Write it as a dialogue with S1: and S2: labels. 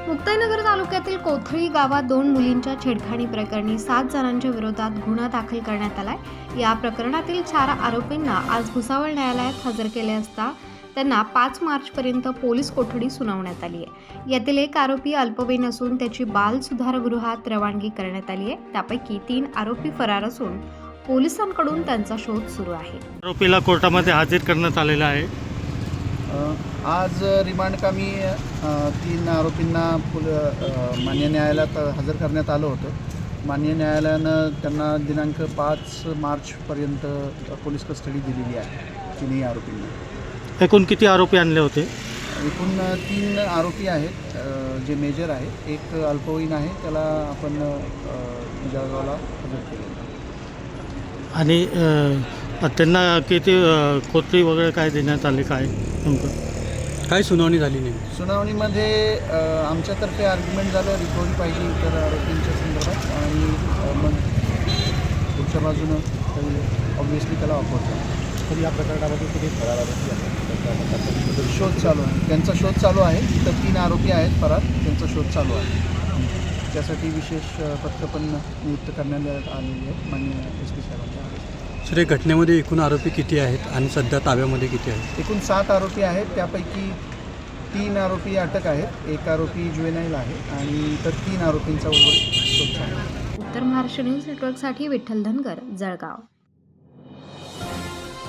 S1: मुक्ताईनगर तालुक्यातील कोथळी गावात 2 मुलींच्या छेडखानी प्रकरणी 7 जणांच्या विरोधात गुन्हा दाखल करण्यात आलाय। या प्रकरणातील 4 आरोपींना आज भुसावळ न्यायालयात हजर केले असता त्यांना 5 मार्चपर्यंत पोलीस कोठडी सुनावण्यात आली आहे। यातील एक आरोपी अल्पवयीन असून त्याची बाल सुधारगृहात रवानगी करण्यात आली आहे। त्यापैकी 3 आरोपी फरार असून पोलिसांकडून त्यांचा शोध सुरू आहे।
S2: आरोपीला कोर्टामध्ये हजर करण्यात आलेला आहे।
S3: आज रिमांडकामी 3 आरोपींना मान्य न्यायालयात हजर करण्यात आलं होतं। मान्य न्यायालयानं त्यांना दिनांक 5 मार्चपर्यंत पोलीस कस्टडी दिलेली आहे। 3 आरोपींना
S2: एकूण किती आरोपी आणले होते?
S3: एकूण 3 आरोपी आहेत जे मेजर आहेत। एक अल्पवयीन आहे, त्याला आपण जळगावला हजर केलेलं आहे।
S2: आणि त्यांना किती कोठडी वगैरे काय देण्यात आले, काय नेमकं
S4: काय सुनावणी झाली नाही?
S3: सुनावणीमध्ये आमच्यातर्फे आर्ग्युमेंट झालं, रिकव्हरी पाहिजे इतर आरोपींच्या संदर्भात, आणि मग पुढच्या बाजूनं ऑब्व्हियसली त्याला ऑफर झाला।
S4: तर या प्रकरणामध्ये किती फरार
S3: शोध चालू आहे, त्यांचा शोध चालू आहे। तर 3 आरोपी आहेत फरार, त्यांचा शोध चालू आहे। त्यासाठी विशेष पथकं पण नियुक्त करण्यात आलेली आहेत माननीय SP साहेबांच्या आदेशाने।
S4: सर, या घटनेमध्ये एकूण आरोपी किती आहेत आणि सध्या ताब्यामध्ये किती आहेत?
S3: एकूण 7 आरोपी आहेत, त्यापैकी 3 आरोपी अटक आहेत, 1 आरोपी जुवेनाईल आहे आणि इतर 3 आरोपींचा शोध चालू आहे।
S1: उत्तर महाराष्ट्र न्यूज नेटवर्कसाठी विठ्ठल धनगर, जळगाव।